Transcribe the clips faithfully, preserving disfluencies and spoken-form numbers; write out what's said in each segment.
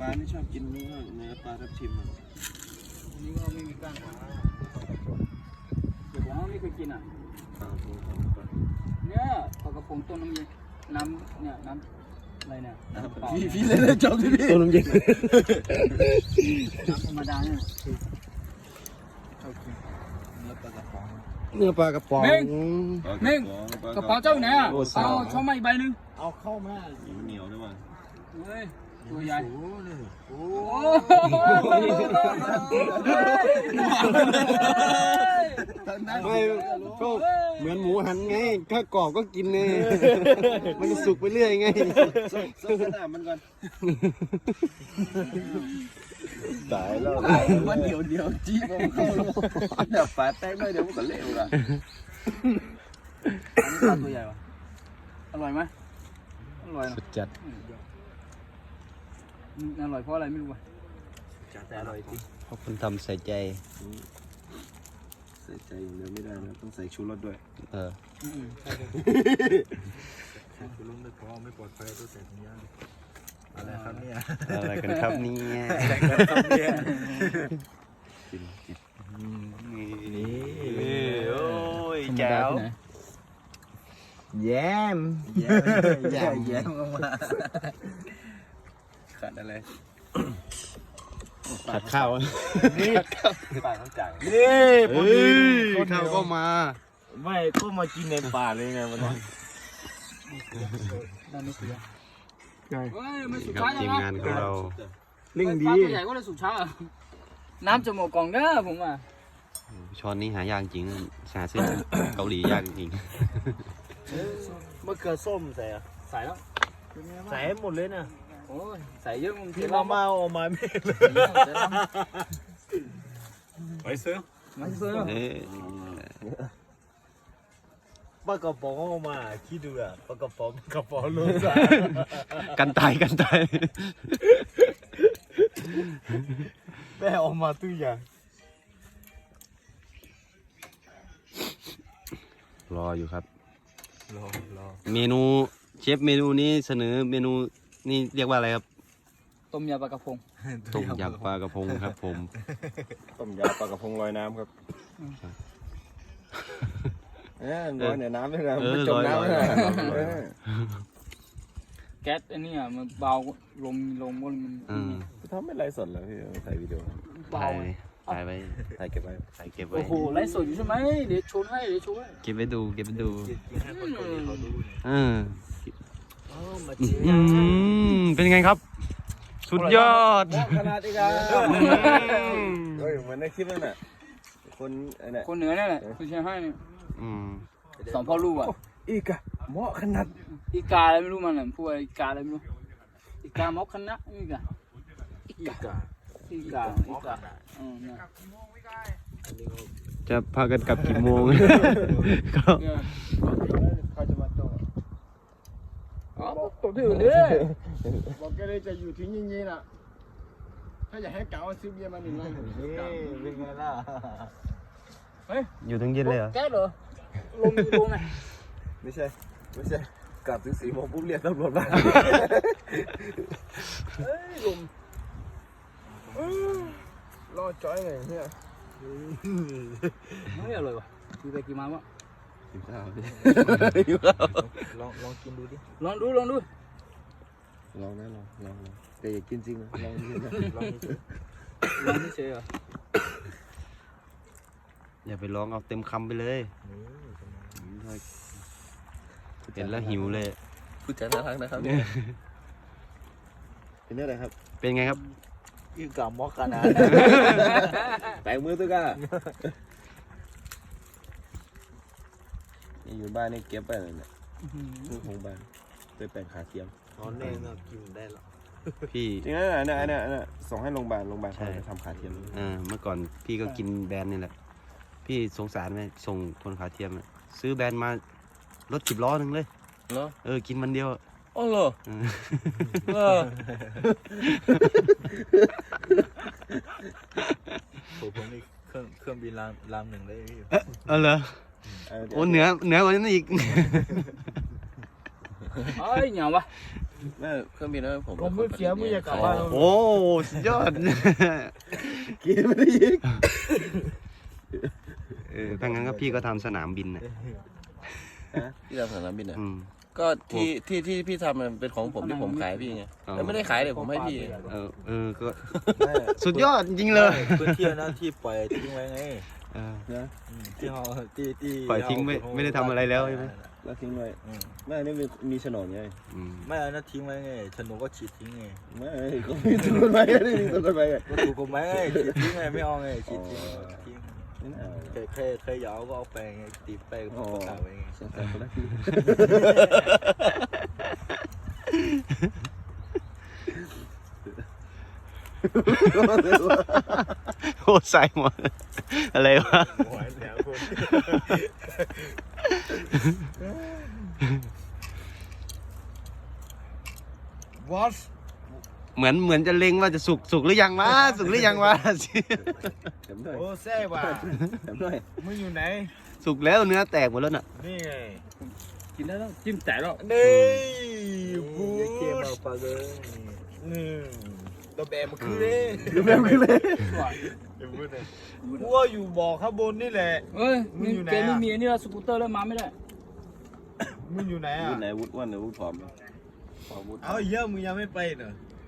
ลาไม่ชอบกินเนื้อเนื้อปลาทับทิมอ่ะนี่ก็ไม่มีก้างขาเดี๋ยวผมว่าไม่เคยกินอ่ะเนี่ยปลากระพงต้มน้ำเย็นน้ำเนี่ยน้ำอะไรเนี่ยพี่พี่เลยเลยจบที่พี่ต้มน้ำเย็นน้ำธรรมดาเนี่ยเนื้อปลากระป๋องเม้งเม้งกระเป๋าเจ้าไหนอ่ะเอาช่อมาอีกใบหนึ่งเอาเข้ามาเหนียวด้วยมั้งเฮ้ยตัวใหญ่โอ้ไม่ก็เหมือนหมูหันไงถ้ากรอบก็กินไงมันจะสุกไปเรื่อยไงสุกขนาดมันก่อนตายแล้วมันเดี๋ยวเดี๋ยวจี้มันเข้าเดี๋ยวฝาแตกเลยเดี๋ยวมันก็เละหมดอ่ะอันนี้ปลาตัวใหญ่ปะอร่อยไหมอร่อยนะสุดจัดอร่อยเพราะอะไรไม่รู้ป่ะแต่อร่อยจริงเพราะคนทำใส่ใจใส่ใจอย่างเดียวไม่ได้นะต้องใส่ชูรสด้วยเออใส่ชูรสไม่พอไม่ปลอดภัยต้องใส่ถุงยางอะไรครับเนี่ยอะไรกันครับเนี่ยกินกินนี่นี่โอ้ยแจ๋วแย้มแย้มแย้มแย้มออกมาขาดอะไรขาดข้าวนี่ปลาต้องจ่ายนี่พอดีข้าวก็มาไม่ก็มากินในป่าเลยไงวันนั้นด้านนี้เสียเฮ้ยมันสุดท้ายแล้วทีมงานของเราเร่งดีปลาตัวใหญ่ก็เลยสุดท้ายน้ำจะหมดกล่องเด้อผมอ่ะช้อนนี้หายากจริงหาซื้อเกาหลียากจริงมะเขือส้มใส่อะใส่แล้วใส่หมดเลยนะโอ้ยใส่เยอะมึงพี่มามาออกมาไม่เลยไปซื้อไม่ซื้อปลากระป๋องออกมาคิดดูอะปลากระป๋องกระป๋องลูกสาวกันตายกันตายแม่ออกมาตู้อย่างรออยู่ครับรอรอเมนูเชฟเมนูนี้เสนอเมนูนี่เรียกว่าอะไรครับต้มยำปลากระพงต้มยำปลากระพงครับผมต้มยำปลากระพงลอยน้ำครับเออลอยในน้ำด้วยนะไม่จมน้ำเลยแก๊สอันนี้อ่ะมันเบาลมลมมันมันทำไม่ไรสดแล้วพี่ถ่ายวิดีโอเบาถ่ายไว้ถ่ายเก็บไว้ถ่ายเก็บไว้โอ้โหไลฟ์สดอยู่ใช่ไหมเดี๋ยวชวนให้เดี๋ยวชวนให้เก็บไว้ดูเก็บไว้ดูเออเป็นไงครับสุดยอดขนาดอีกอ่ะเฮ้ยเหมือนในคลิปนั่นแหละคนเนี่ยคนเหนือนี่แหละคุณเชียร์ให้เนี่ยสองพ่อลูกอ่ะอีกอะเหมาะขนาดอีกาอะไรไม่รู้มันอ่ะพูดอีกาอะไรไม่รู้อีกาเหมาะขนาดอีกาอีกาอีกาอีกาอืมนะจะพากันกลับกี่โมงก็เขาจะมาโตอ๋อตัวที่อื่นดิบอกแกเลยจะอยู่ที่ยิ่งๆน่ะถ้าอยากให้เก๋าซื้อเบียร์มาหนึ่งลังเป็นไงล่ะเฮ้ยอยู่ถึงเย็นเลยเหรอแก๊สเหรอลงลงไงไม่ใช่ไม่ใช่กลับถึงสี่โมงปุ๊บเรียกตำรวจมาเฮ้ยลมรอจ้อยไงเนี่ยไม่อร่อยว่ะกินไปกินมาวะกินข้าวดิลองลองกินดูดิลองดูลองดูลองนะลองลองแต่อย่ากินจริงนะลองกินนะลองลองไม่เฉยเหรออย่าไปลองเอาเต็มคำไปเลยเห็นแล้วหิวเลยพูดจาน่ารักนะครับเป็นอะไรครับเป็นไงครับยืนกับมอกกันนะแปลงมือตัวกันนี่อยู่บ้านนี่เก็บไปเลยเนี่ยมือของบ้านไปแปลงขาเทียมตอนนี้เรากินได้หรอพี่จริงนะเนี่ยเนี่ยเนี่ยส่งให้โรงพยาบาลโรงพยาบาลเขาจะทำขาเทียมอ่าเมื่อก่อนพี่ก็กินแบรนด์นี่แหละพี่สงสารไหมส่งคนขาเทียมซื้อแบรนด์มารถสิบล้อหนึ่งเลยเหรอเออกินมันเดียวอ๋อเหรอเออผมนี่เครื่องเครื่องบินลำลำหนึ่งเลยเออเหรอโอ้เหนือเหนือกว่านั้นอีกเอ้ยเหนียวปะแม่เครื่องบินแล้วผมผมไม่เสียมึงอย่ากลับบ้านโอ้สุดยอดกินไม่ได้ยิงเออถ้างั้นก็พี่ก็ทำสนามบินนะที่ทำสนามบินอ่ะอืมก็ที่ที่ที่พี่ทำมันเป็นของผมที่ผมขายพี่ไงอ๋อแล้วไม่ได้ขายเลยผมให้พี่เออเออก็สุดยอดจริงๆเลยพื้นที่นะที่ปล่อยทิ้งไว้ไงเออนะที่เขาที่ที่ปล่อยทิ้งไม่ไม่ได้ทำอะไรแล้วใช่ไหมแล้วทิ้งไว้ไม่นี่มีมีโฉนดไงอืมไม่เอานะทิ้งไว้ไงฉนวนก็ฉีดทิ้งไงไม่ก็มีต้นไม้นี่มีต้นไม้ไงก็ถูกกฎหมายไงฉีดทิ้งไงไม่เอาไงฉีดทิ้งทิ้งไม่เอาเคยเคยเคยยาวก็เอาไปไงตีไปก็ประกาศไว้ไงสงสารคนละทีโอ้ใส่หมดอะไรวะหัวแหลมคน What เหมือนเหมือนจะเล็งว่าจะสุกสุกหรือยังวะสุกหรือยังวะเต็มด้วยโอ้แซ่บว่ะเต็มด้วยมึงอยู่ไหนสุกแล้วเนื้อแตกหมดแล้วน่ะนี่ไงกินได้แล้วจิ้มแตกแล้วนี่บู๊เกมเอาปากเลยนี่ตัวแบบมันคือเลยดูแม่ขึ้นเลยกูว่าอยู่บ่อข้างบนนี่แหละเอ้ยมึงอยู่ไหนเกมไม่อะมีอันนี่เราสกูตเตอร์แล้วมาไม่ได้มึงอยู่ไหนวุอ่ะฒิไหนวุฒิอ้วนหรือวุฒิผอมผอมวุฒิเอาเยอะมึงยังไม่ไปเหรอ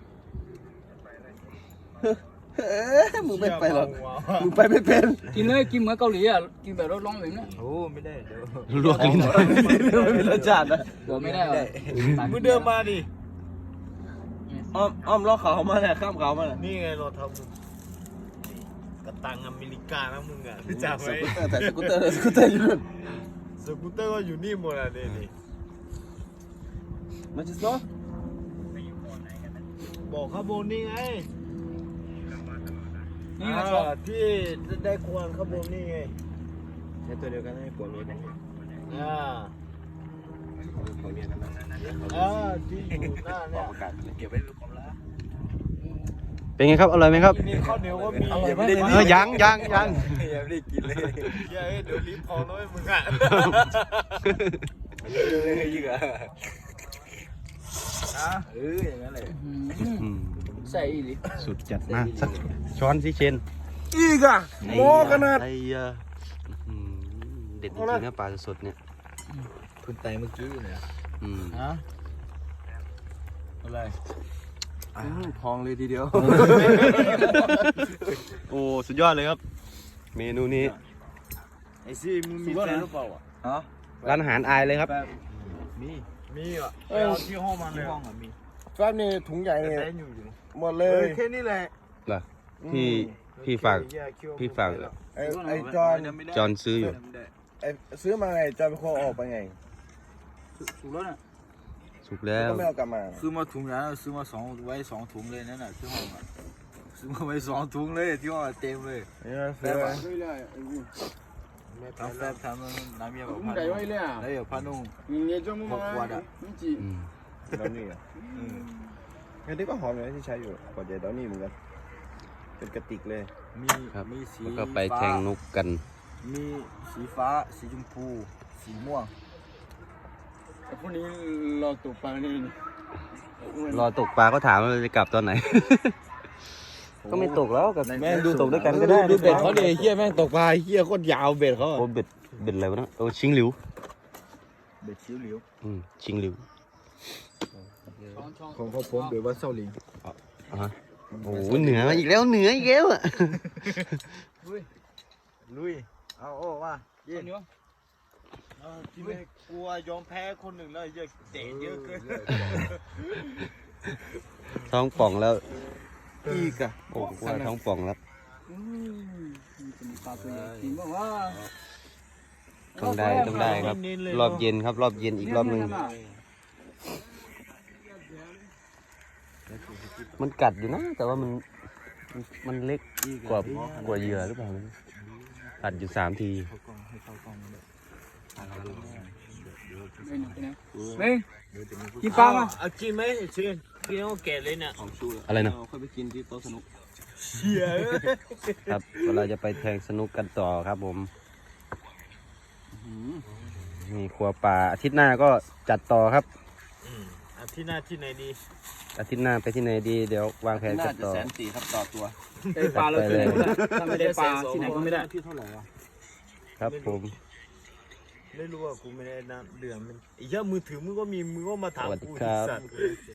มึงไม่ไปหรอกเชี่ยมึงไปไม่เป็นกินเลยกินเหมือนเกาหลีอ่ะกินแบบรสร้อนแบบนี้โอ้ไม่ได้เดี๋ยวลวกลิ้นไม่มีรสชาตินะเดี๋ยวไม่ได้เหรอมึงเดินมาดิอ้อมอ้อมล้อเขามาเนี่ยข้ามเขามาเนี่ยนี่ไงเราทำกระตังอเมริกานะมึงอ่ะรู้จักไหมแต่สกูตเตอร์สกูตเตอร์อยู่นู่นสกูตเตอร์ก็อยู่นี่หมดอ่ะนี่นี่มันจะโซ่บอกข้างบนนี่ไงนี่ไงอ่าชอบที่ได้ควงข้างบนนี่ไงใช้ตัวเดียวกันให้ปวดรถอ่าอ่าที่อยู่หน้าเนี่ยประกาศเก็บไว้เป็นความลับเป็นไงครับอร่อยไหมครับนี่ข้าวเหนียวก็มีอร่อยไม่มากได้เลยเออยังยังยังยังไม่ได้กินเลยเฮ้ยเดี๋ยวลิ้นพองน้อยมึงอ่ะเลยอีกอ่ะอ่ะเอออย่างนั้นเลยอืมอืมใส่อีหลีสุดจัดนะสักช้อนสิเชนอีกอ่ะโมขนาดไอ้เหี้ยอืมเด็ดจริงๆนะปลาสดๆเนี่ยคุณไตเมื่อกี้เนี่ยอืมฮะอะไรทองเลยทีเดียวโอ้สุดยอดเลยครับ เมนูนี้ไอซี่มึงมีแฟนหรือเปล่าอ่ะฮะร้านอาหารอายเลยครับมีมีอ่ะไปเอาที่ห้องมันเลยห้องอ่ะมีแป๊บนี่ถุงใหญ่แต่เนี่ยแฟนอยู่อยู่หมดเลเอย อแค่นี้แหละเหรอพี่พี่ฝากพี่ฝากไอ้ไอ้จอนจอนซื้ออยู่ไอ้ซื้อมาไงจอนเป็นคนออกไปไงถูกแล้วน่ะสุกแล้วก็ไม่เอากลับมาซื้อมาถุงนั้นซื้อมาสองไว้สองถุงเลยนั่นน่ะที่ห้องอ่ะซื้อมาไว้สองถุงเลยที่ห้องเต็มเลยเนี่ยซื้อมาไม่ได้ทำแฟบทำน้ำเยี่ยมมึงไก่ไว้เลยอ่ะแล้วเดี๋ยวพานุ่งมึงเงี้ยจ้องมึงมามึงจีอืมดอนนี่อ่ะอันนี้ก็หอมเลยที่ใช้อยู่ขวดใหญ่ดอนนี่เหมือนกันเป็นกระติกเลยมีครับมีสีแล้วก็ไปแทงนกกันมีสีฟ้าสีชมพูสีม่วงพวกนี้เราตกปลานี่รอตกปลาก็ถามว่าจะกลับตอนไหน ก็ไม่ตกแล้วกับแม่งดูตกด้วยกันก็ได้ดูเบ็ดเขาดิเฮียแม่งตกปลาเฮียโคตรยาวเบ็ดเขาโอ้เบ็ดเบ็ดอะไรวะเนะโอ้ชิงหลิวเบ็ดชิวหลิวอืมชิงหลิวของพ่อผมเบ็ดว่าเศร้าหลิงอ่ะฮะโอ้โหเหนืออีกแล้วเหนืออีกแล้วอ่ะลุยเอาโอ้ว่าเย็นอยู่ที่ไม่กลัวยอมแพ้คนหนึ่งแล้วเยอะเตะเยอะเกินท้องป่องแล้วอีกอ่ะโอ้โหว่าท้องป่องแล้วอืมเป็นปลาตัวใหญ่กินบ้างว่าต้องได้ต้องได้ครับ รอบเย็นครับ รอบเย็นอีกรอบหนึ่งมันกัดอยู่นะ แต่ว่ามันมันมันเล็กกว่ากว่าเหยื่อหรือเปล่ากัดอยู่สามทีเฮ้ยกินปลามาเอากินไหมชินกินเอาแก่เลยเนี่ยของชูอะไรนะค่อยไปกินที่โต๊ะสนุกเชี่ยครับเราจะไปแทงสนุกกันต่อครับผมมีครัวป่าอาทิตย์หน้าก็จัดต่อครับอาทิตย์หน้าที่ไหนดีอาทิตย์หน้าไปที่ไหนดีเดี๋ยววางแผนน่ากันจะต่อแสนสี่ครับต่อตัวได้ปลาเราที่ไหนก็ได้ถ้าไม่ได้ปลาที่ไหนก็ไม่ได้ที่เท่าไหร่วะครับผมไม่รู้ว่ากูไม่ได้นะเดือนมันไอ้เหี้ยมือถือมึงก็มีมึงก็มาถามสวัสดีกูครับสัตว์